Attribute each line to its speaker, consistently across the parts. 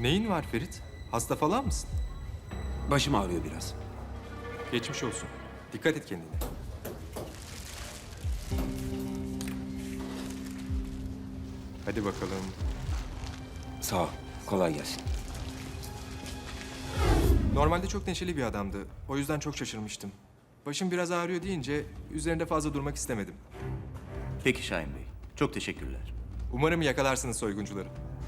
Speaker 1: Neyin var Ferit? Hasta falan mısın?
Speaker 2: Başım ağrıyor biraz.
Speaker 1: Geçmiş olsun. Dikkat et kendine. Hadi bakalım.
Speaker 2: Sağ ol. Kolay gelsin.
Speaker 1: Normalde çok neşeli bir adamdı. O yüzden çok şaşırmıştım. Başım biraz ağrıyor deyince üzerinde fazla durmak istemedim.
Speaker 3: Peki Şahin Bey. Çok teşekkürler.
Speaker 1: Umarım yakalarsınız soyguncuları.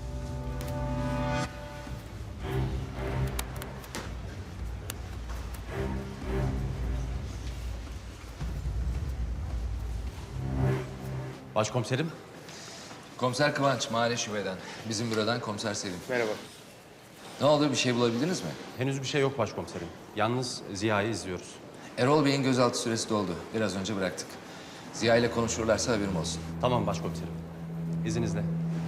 Speaker 4: Başkomiserim.
Speaker 5: Komiser Kıvanç, Mahalle Şube'den. Bizim bürodan Komiser Selim.
Speaker 6: Merhaba.
Speaker 5: Ne oldu, bir şey bulabildiniz mi?
Speaker 4: Henüz bir şey yok başkomiserim. Yalnız Ziya'yı izliyoruz.
Speaker 5: Erol Bey'in gözaltı süresi doldu. Biraz önce bıraktık. Ziya ile konuşurlarsa haberim olsun.
Speaker 4: Tamam başkomiserim. İzninizle.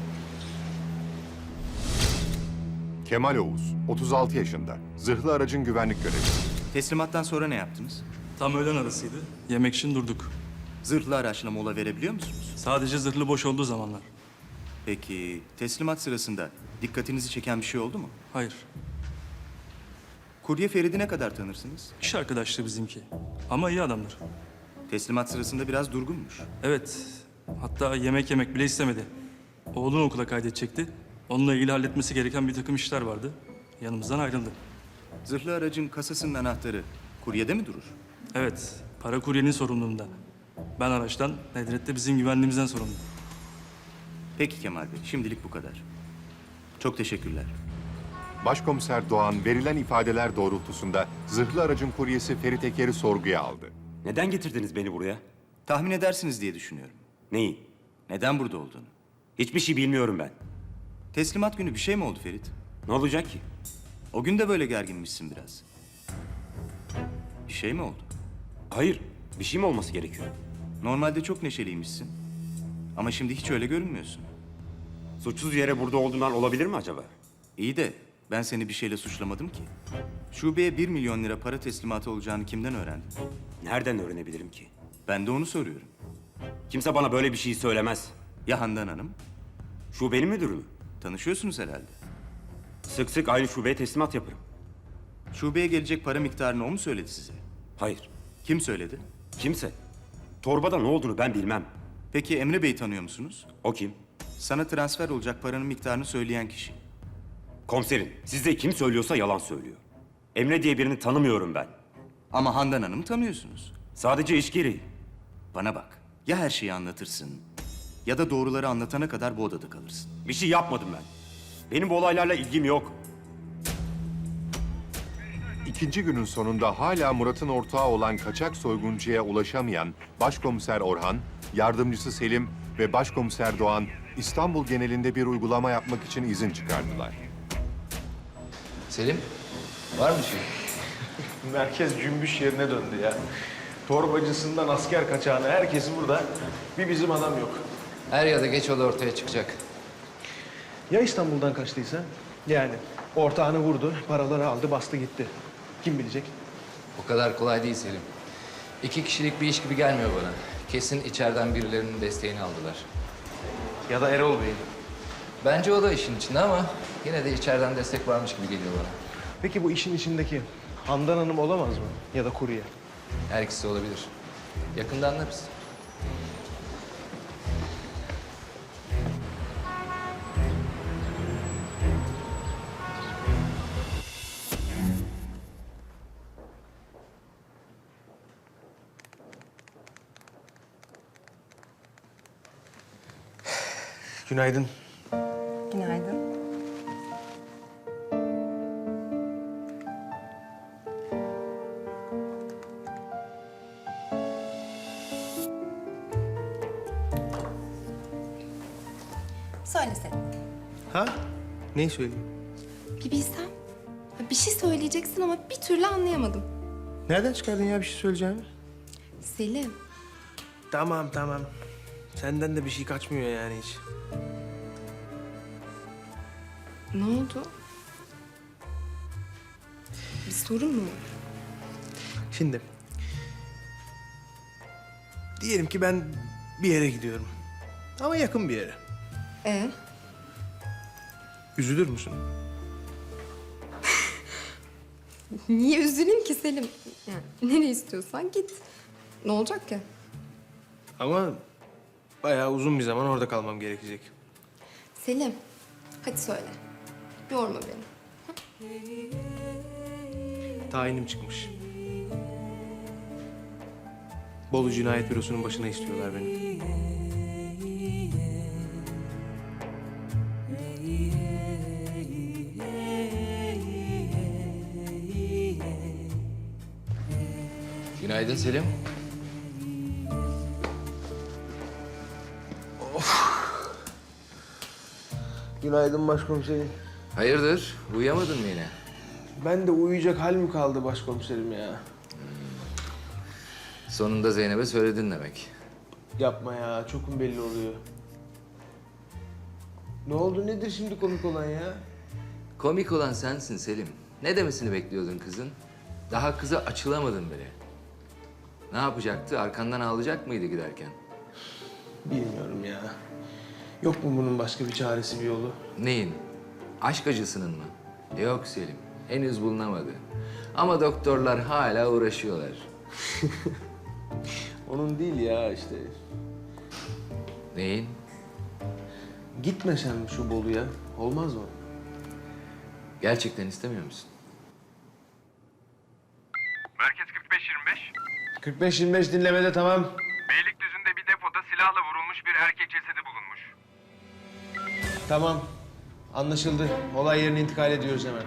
Speaker 7: Kemal Oğuz, 36 yaşında. Zırhlı aracın güvenlik görevlisi.
Speaker 3: Teslimattan sonra ne yaptınız?
Speaker 6: Tam öğlen arasıydı. Yemek için durduk.
Speaker 3: Zırhlı araçla mola verebiliyor musunuz?
Speaker 6: Sadece zırhlı boş olduğu zamanlar.
Speaker 3: Peki teslimat sırasında dikkatinizi çeken bir şey oldu mu?
Speaker 6: Hayır.
Speaker 3: Kurye Ferit'i ne kadar tanırsınız?
Speaker 6: İş arkadaşlığı bizimki. Ama iyi adamdır.
Speaker 3: Teslimat sırasında biraz durgunmuş.
Speaker 6: Evet. Hatta yemek yemek bile istemedi. Oğlunu okula kaydedecekti. Onunla ilgili halletmesi gereken bir takım işler vardı. Yanımızdan ayrıldı.
Speaker 3: Zırhlı aracın kasasının anahtarı kuryede mi durur?
Speaker 6: Evet. Para kuryenin sorumluluğunda. Ben araçtan, Nedret de bizim güvenliğimizden sorumlu.
Speaker 3: Peki Kemal Bey, şimdilik bu kadar. Çok teşekkürler.
Speaker 7: Başkomiser Doğan verilen ifadeler doğrultusunda zırhlı aracın kuryesi Ferit Eker'i sorguya aldı.
Speaker 2: Neden getirdiniz beni buraya?
Speaker 3: Tahmin edersiniz diye düşünüyorum.
Speaker 2: Neyi?
Speaker 3: Neden burada olduğunu.
Speaker 2: Hiçbir şey bilmiyorum ben.
Speaker 3: Teslimat günü bir şey mi oldu Ferit?
Speaker 2: Ne olacak ki?
Speaker 3: O gün de böyle gerginmişsin biraz. Bir şey mi oldu?
Speaker 2: Hayır. Bir şey mi olması gerekiyor?
Speaker 3: Normalde çok neşeliymişsin. Ama şimdi hiç öyle görünmüyorsun.
Speaker 2: Suçsuz yere burada olduğundan olabilir mi acaba?
Speaker 3: İyi de ben seni bir şeyle suçlamadım ki. Şubeye 1 milyon lira para teslimatı olacağını kimden öğrendin?
Speaker 2: Nereden öğrenebilirim ki?
Speaker 3: Ben de onu soruyorum.
Speaker 2: Kimse bana böyle bir şey söylemez.
Speaker 3: Ya Handan Hanım?
Speaker 2: Şubenin müdürü mü?
Speaker 3: Tanışıyorsunuz herhalde.
Speaker 2: Sık sık aynı şubeye teslimat yaparım.
Speaker 3: Şubeye gelecek para miktarını o mu söyledi size?
Speaker 2: Hayır.
Speaker 3: Kim söyledi?
Speaker 2: Kimse. Torbada ne olduğunu ben bilmem.
Speaker 3: Peki Emre Bey'i tanıyor musunuz?
Speaker 2: O kim?
Speaker 3: Sana transfer olacak paranın miktarını söyleyen kişi.
Speaker 2: Komiserim. Size kim söylüyorsa yalan söylüyor. Emre diye birini tanımıyorum ben.
Speaker 3: Ama Handan Hanım'ı tanıyorsunuz.
Speaker 2: Sadece iş gereği.
Speaker 3: Bana bak. Ya her şeyi anlatırsın ya da doğruları anlatana kadar bu odada kalırsın.
Speaker 2: Bir şey yapmadım ben. Benim bu olaylarla ilgim yok.
Speaker 7: İkinci günün sonunda hala Murat'ın ortağı olan kaçak soyguncuya ulaşamayan Başkomiser Orhan, yardımcısı Selim ve Başkomiser Doğan İstanbul genelinde bir uygulama yapmak için izin çıkardılar.
Speaker 5: Selim, var mı şey?
Speaker 8: Merkez cümbüş yerine döndü ya. Torbacısından asker kaçağına herkesi burada. Bir bizim adam yok.
Speaker 5: Er ya da geç o da ortaya çıkacak.
Speaker 8: Ya İstanbul'dan kaçtıysa? Yani ortağını vurdu, paraları aldı, bastı gitti. Kim bilecek?
Speaker 5: O kadar kolay değil Selim. 2 kişilik bir iş gibi gelmiyor bana. Kesin içeriden birilerinin desteğini aldılar.
Speaker 8: Ya da Erol Bey.
Speaker 5: Bence o da işin içinde ama yine de içeriden destek varmış gibi geliyor bana.
Speaker 8: Peki bu işin içindeki Handan Hanım olamaz mı? Ya da kurye?
Speaker 5: Her ikisi olabilir. Yakında anlarız.
Speaker 8: Günaydın.
Speaker 9: Günaydın. Söyle Selim.
Speaker 8: Ha? Neyi söyleyeyim?
Speaker 9: Bir bilsem. Bir şey söyleyeceksin ama bir türlü anlayamadım.
Speaker 8: Nereden çıkardın ya bir şey söyleyeceğimi?
Speaker 9: Selim.
Speaker 8: Tamam tamam. Senden de bir şey kaçmıyor yani hiç.
Speaker 9: Ne oldu? Bir sorun mu var?
Speaker 8: Şimdi. Diyelim ki ben bir yere gidiyorum. Ama yakın bir yere.
Speaker 9: Ee,
Speaker 8: Üzülür müsün?
Speaker 9: Niye üzüleyim ki Selim? Yani nereye istiyorsan git. Ne olacak ki?
Speaker 8: Ama bayağı uzun bir zaman orada kalmam gerekecek.
Speaker 9: Selim, hadi söyle. Yorma beni.
Speaker 8: Tayinim çıkmış. Bolu Cinayet Bürosu'nun başına istiyorlar beni.
Speaker 5: Günaydın Selim.
Speaker 8: Günaydın başkomiserim.
Speaker 5: Hayırdır? Uyuyamadın mı yine?
Speaker 8: Ben de uyuyacak hal mi kaldı başkomiserim ya?
Speaker 5: Sonunda Zeynep'e söyledin demek.
Speaker 8: Yapma ya, çok mu belli oluyor? Ne oldu, nedir şimdi komik olan ya?
Speaker 5: Komik olan sensin Selim. Ne demesini bekliyordun kızın? Daha kıza açılamadın bile. Ne yapacaktı? Arkandan ağlayacak mıydı giderken?
Speaker 8: Bilmiyorum ya. Yok mu bunun başka bir çaresi, bir yolu?
Speaker 5: Neyin? Aşk acısının mı? Yok Selim. Henüz bulunamadı. Ama doktorlar hala uğraşıyorlar.
Speaker 8: Onun değil ya işte.
Speaker 5: Neyin?
Speaker 8: Gitme sen şu Bolu'ya. Olmaz mı?
Speaker 5: Gerçekten istemiyor musun?
Speaker 10: Merkez 45-25.
Speaker 8: 45-25 dinlemede tamam.
Speaker 10: Beylikdüzü'nde bir depoda silahla vurulmuş bir erkek cesedi bulunmuş.
Speaker 8: Tamam. Anlaşıldı. Olay yerine intikal ediyoruz hemen.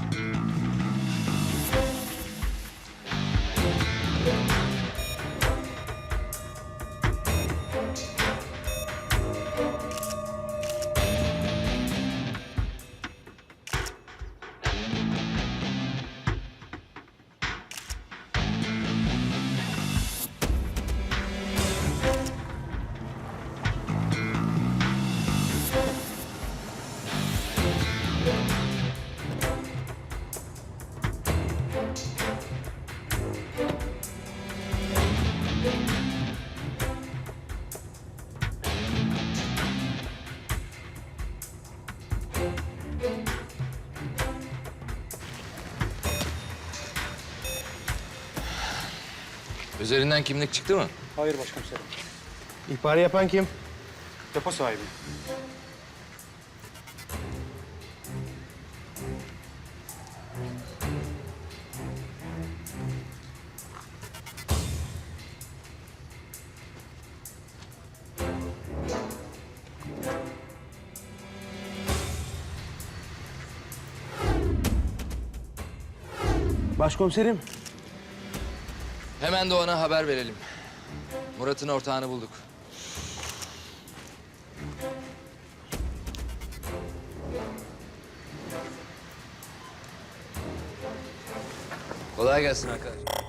Speaker 5: Üzerinden kimlik çıktı mı?
Speaker 4: Hayır başkomiserim.
Speaker 8: İhbarı yapan kim?
Speaker 4: Depo sahibi.
Speaker 8: Başkomiserim.
Speaker 5: Hemen Doğan'a haber verelim. Murat'ın ortağını bulduk. Kolay gelsin arkadaşlar.